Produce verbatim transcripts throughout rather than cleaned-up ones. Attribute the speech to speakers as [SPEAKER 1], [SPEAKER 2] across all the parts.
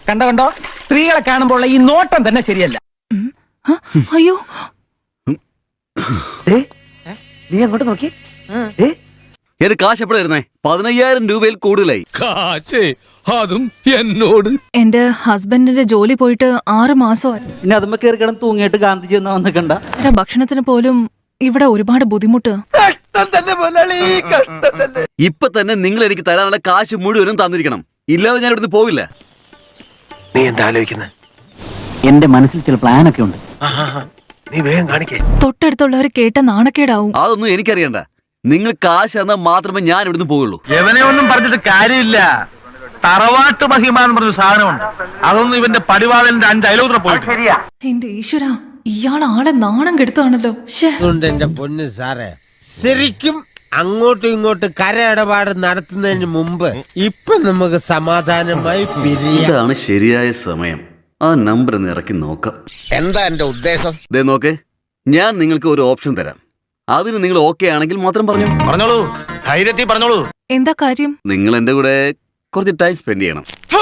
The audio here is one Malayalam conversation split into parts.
[SPEAKER 1] കണ്ടോ കണ്ടോ സ്ത്രീകളെ കാണുമ്പോൾ ഈ നോട്ടം തന്നെ ശരിയല്ല.
[SPEAKER 2] അയ്യോ
[SPEAKER 1] നീ അങ്ങോട്ട് നോക്കി.
[SPEAKER 3] ഏത് കാശ് എപ്പോഴാ ഇരുന്നേ? പതിനയ്യായിരം രൂപയിൽ കൂടുതലായി.
[SPEAKER 4] അതും എന്നോട്.
[SPEAKER 2] എന്റെ ഹസ്ബൻഡിന്റെ ജോലി പോയിട്ട് ആറ് മാസമായി.
[SPEAKER 5] ഇനി അതുമ്പോ കയറി കിടന്ന് തൂങ്ങിയിട്ട് ഗാന്ധിജി ഒന്നും വന്നിക്കണ്ട.
[SPEAKER 2] ഭക്ഷണത്തിന് പോലും ഇവിടെ ഒരുപാട് ബുദ്ധിമുട്ട്.
[SPEAKER 3] ഇപ്പൊ തന്നെ നിങ്ങൾ എനിക്ക് തരാനുള്ള കാശ് മുഴുവനും തന്നിരിക്കണം, ഇല്ലാതെ ഞാൻ ഇവിടുന്ന് പോവില്ല.
[SPEAKER 4] നീ എന്താ ആലോചിക്കുന്നത്?
[SPEAKER 5] എന്റെ മനസ്സിൽ ചില പ്ലാനൊക്കെ ഉണ്ട്.
[SPEAKER 4] നീ വേഗം കാണിക്കേ.
[SPEAKER 2] തൊട്ടടുത്തുള്ളവർ കേട്ട നാണക്കേടാവും.
[SPEAKER 3] അതൊന്നും എനിക്കറിയണ്ട. നിങ്ങൾ കാശ് തന്നാൽ മാത്രമേ ഞാൻ ഇവിടുന്ന് പോവുള്ളൂ.
[SPEAKER 1] എവനെ ഒന്നും പറഞ്ഞിട്ട് കാര്യമില്ല. തറവാട്ട് മഹിമ എന്ന് പറഞ്ഞ സാധനമുണ്ട്. അതൊന്നും ഇവന്റെ പടിവാളന്റെ അഞ്ച് അയലോത്ര പോയിട്ട്.
[SPEAKER 2] എന്റെ ഈശ്വര, ഇയാൾ ആളെ നാണം കെടുത്താണല്ലോ.
[SPEAKER 6] എന്റെ പൊന്ന് സാറേ, ശരിക്കും അങ്ങോട്ടും ഇങ്ങോട്ടും കരയിടപാട് നടത്തുന്നതിന് മുമ്പ് ഇപ്പൊ നമുക്ക് സമാധാനമായി പിരിയാം.
[SPEAKER 3] ഇതാണ് ശരിയായ സമയം. ആ നമ്പർ ഒന്ന് ഇറക്കി നോക്കാം.
[SPEAKER 6] എന്താ എന്റെ ഉദ്ദേശം?
[SPEAKER 3] ദേ നോക്കേ, ഞാൻ നിങ്ങൾക്ക് ഒരു ഓപ്ഷൻ തരാം. അതിന് നിങ്ങൾ ഓക്കെ ആണെങ്കിൽ മാത്രം പറഞ്ഞു.
[SPEAKER 4] പറഞ്ഞോളൂ, ധൈര്യത്തിൽ പറഞ്ഞോളൂ.
[SPEAKER 2] എന്താ കാര്യം?
[SPEAKER 3] നിങ്ങൾ എന്റെ കൂടെ കുറച്ച് ടൈം സ്പെൻഡ് ചെയ്യണം.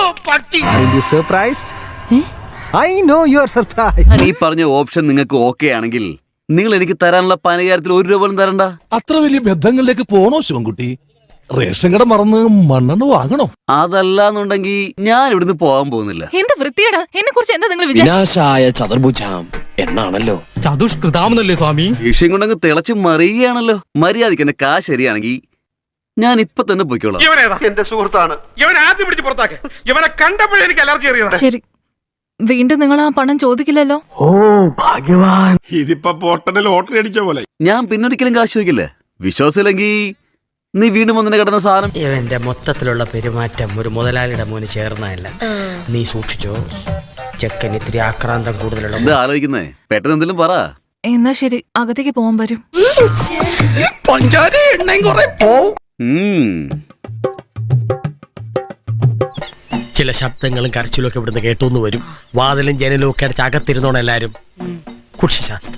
[SPEAKER 3] ഞാൻ ഈ പറഞ്ഞ ഓപ്ഷൻ നിങ്ങൾക്ക് ഓക്കെ ആണെങ്കിൽ നിങ്ങൾ എനിക്ക് തരാനുള്ള പതിനയ്യായിരത്തിൽ ഒരു രൂപ പോലും തരണ്ട.
[SPEAKER 7] അത്ര വലിയ ബന്ധങ്ങളിലേക്ക് പോണോ ശിവൻകുട്ടി? റേഷൻ കട മറന്ന് മണ്ണെണ്ണ വാങ്ങണോ?
[SPEAKER 3] അതല്ലാന്നുണ്ടെങ്കിൽ ഞാൻ ഇവിടുന്ന് പോകാൻ പോകുന്നില്ല.
[SPEAKER 2] എന്ത് വൃത്തിയേടാ, എന്നെ കുറിച്ച് എന്താ നിങ്ങൾ വിചാരിച്ചത്?
[SPEAKER 8] വിനാശായ ചതുർഭുജാം എന്നാണല്ലോ.
[SPEAKER 4] ചതുഷ്കൃതാമെന്നല്ലേ സ്വാമി?
[SPEAKER 3] വിഷയം കൊണ്ടങ്ങ് തിളച്ച് മറിയുകയാണല്ലോ. മര്യാദയ്ക്ക് എന്റെ കാശ് ശരിയാണെങ്കിൽ ഞാൻ ഇപ്പൊ തന്നെ പോയിക്കോളാം.
[SPEAKER 4] എന്റെ സുഹൃത്താണ്. ഇവൻ ആദ്യം പിടിച്ച് പുറത്താക്കെ. ഇവനെ കണ്ടപ്പോഴേ എനിക്ക് അലർജി അറിയാം.
[SPEAKER 2] ശരി, വീണ്ടും നിങ്ങൾ ആ പണം ചോദിക്കില്ലല്ലോ.
[SPEAKER 1] ഓ ഭാഗ്യവാൻ.
[SPEAKER 7] ഇതിപ്പോ പോട്ടന്റെ ലോട്ടറി അടിച്ച പോലെ.
[SPEAKER 3] ഞാൻ പിന്നൊരിക്കലും കാശ് ചോദിക്കില്ല. വിശ്വാസമില്ലെങ്കിൽ നീ വീണ്ടും വന്നെ കിടന്ന സാധനം.
[SPEAKER 9] ഇവന്റെ മൊത്തത്തിലുള്ള പെരുമാറ്റം ഒരു മുതലാളിയുടെ മോന് ചേർന്നതല്ല. നീ സൂക്ഷിച്ചോ, ചെക്കൻ ഇത്തിരി ആക്രാന്തം കൂടുതലുള്ള.
[SPEAKER 3] എന്താ ആലോചിക്കുന്നേ? പെട്ടെന്ന് എന്തെങ്കിലും പറ.
[SPEAKER 2] എന്നാ ശരി, അകത്തേക്ക് പോകാൻ വരും.
[SPEAKER 9] ചില ശബ്ദങ്ങളും കരച്ചിലും ഒക്കെ ഇവിടുന്ന് കേട്ടോന്ന് വരും. വാതിലും ജനലും ഒക്കെ അടച്ച് അകത്തിരുന്നോണം എല്ലാരും. കുക്ഷിശാസ്ത്ര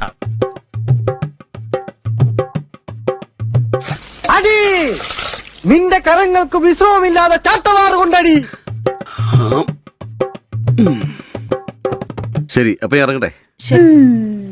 [SPEAKER 1] അടി നിന്റെ കരങ്ങൾക്ക് വിശ്രമമില്ലാതെ ചാട്ടവാറ് കൊണ്ടടി.
[SPEAKER 3] ശരി, അപ്പൊ ഇറങ്ങട്ടെ.
[SPEAKER 2] ശരി.